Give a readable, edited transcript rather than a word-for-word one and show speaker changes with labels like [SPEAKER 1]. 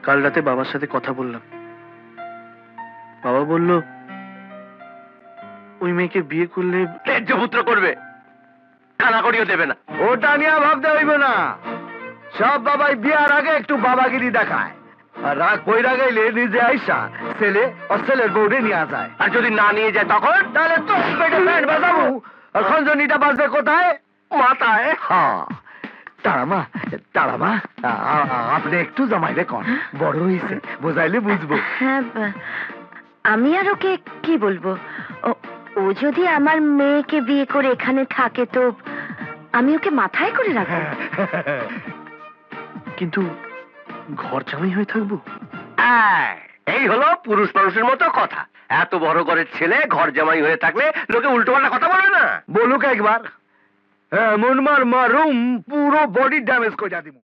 [SPEAKER 1] কাল রাতে বাবার সাথে কথা বললাম। বাবা বলল ওই মেয়েকে বিয়ে করলে
[SPEAKER 2] ত্যায্যপুত্র করবে, কানা করিও দেবে না।
[SPEAKER 3] ওটা নিয়ে ভাবতে হইবে না। সব বাবাই বিয়ার আগে একটু বাবাগিরি দেখায়, আর রাগ কইরা গেলে নিজে আইসা ছেলে আর ছেলের বউরে নিয়ে যায়।
[SPEAKER 2] আর যদি না নিয়ে যায় তখন?
[SPEAKER 3] তাহলে তো পেটে প্যান্ট বাজাবো। আর খঞ্জনিটা বাজবে কোথায়?
[SPEAKER 2] মাথায়।
[SPEAKER 3] হ্যাঁ, তারামা তারামা, আপনি একটু জামাইলে কন, বড় হয়েছে, বোঝাইলে বুঝবো।
[SPEAKER 4] হ্যাঁ, আমি আর ওকে কি বলবো? ও যদি আমার মেয়েকে বিয়ে করে এখানে থাকে তো আমি ওকে মাথায় করে রাখবো।
[SPEAKER 1] কিন্তু ঘর জামাই হয়ে থাকবো।
[SPEAKER 2] এই হলো পুরুষ মানুষের মতো কথা। এত বড় ঘরের ছেলে ঘর জামাই হয়ে থাকলে লোকে উল্টো পাল্টা কথা বলে না।
[SPEAKER 3] বলুক একবার, এমন মার মারুম পুরো বডি ড্যামেজ করে দিব।